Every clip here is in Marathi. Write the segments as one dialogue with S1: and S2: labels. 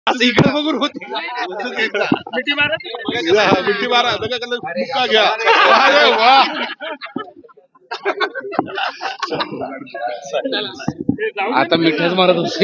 S1: असं इकडे बघून होते मिठी मारा मुक्का घ्या. अरे वा
S2: आता मिठाच मारत होते.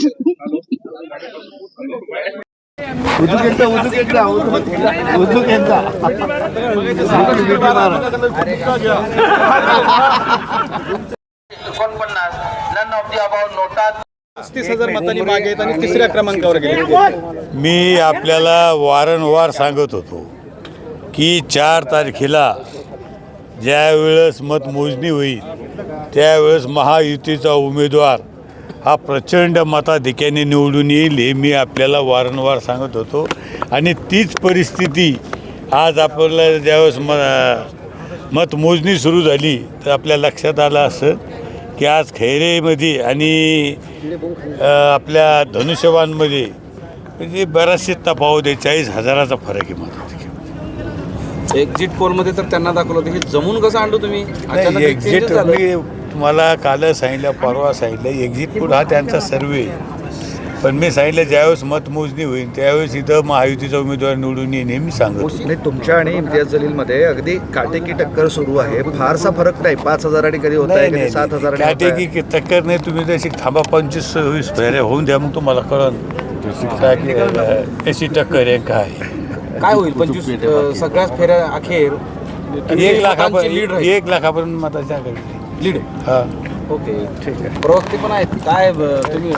S3: none of the above notas
S4: 35,000 मतांनी मागे आहेत आणि तिसऱ्या क्रमांकावर गेले.
S5: मी आपल्याला वारंवार सांगत होतो की 4 तारखेला ज्यावेळेस मतमोजणी होईल त्यावेळेस महायुतीचा उमेदवार हा प्रचंड मताधिक्याने निवडून येईल हे मी आपल्याला वारंवार सांगत होतो. आणि तीच परिस्थिती आज आपल्याला ज्यावेळेस मतमोजणी सुरू झाली तर आपल्या लक्षात आलं असं की आज खैरेमध्ये आणि आपल्या धनुष्यबाणमध्ये म्हणजे बराचसे तफावत आहे. 40,000चा फरक आहे मताधिक्यात.
S2: एक्झिट पोलमध्ये तर त्यांना दाखवलं होतं की जमून कसं आणलं तुम्ही.
S5: नाही, एक्झिट मी तुम्हाला काल सांगितलं, परवा सांगितलं, एक्झिट पोल हा त्यांचा सर्वे. पण मी सांगितलं ज्यावेळेस मतमोजणी होईल त्यावेळेस इथं महायुतीचा उमेदवार निवडून येईल हे मी सांगतो.
S6: नाही, तुमच्या आणि इम्तियाज जलीलमध्ये अगदी काटेकी टक्कर सुरू आहे. फारसा फरक नाही. 5,000 आणि कधी होत आहे, कधी 7,000.
S5: काटेकी टक्कर नाही. तुम्ही तशी थांबा 25-26 फेऱ्या होऊन द्या, मग तुम्हाला कळन कशी टक्कर आहे काय
S2: काय होईल. 25 सगळ्याच फेऱ्या अखेर
S5: 1 लाखापर्यंत मताच्या
S2: लीड.
S5: हां
S2: ओके, ठीक आहे. प्रवक्ते पण आहेत काय तुम्ही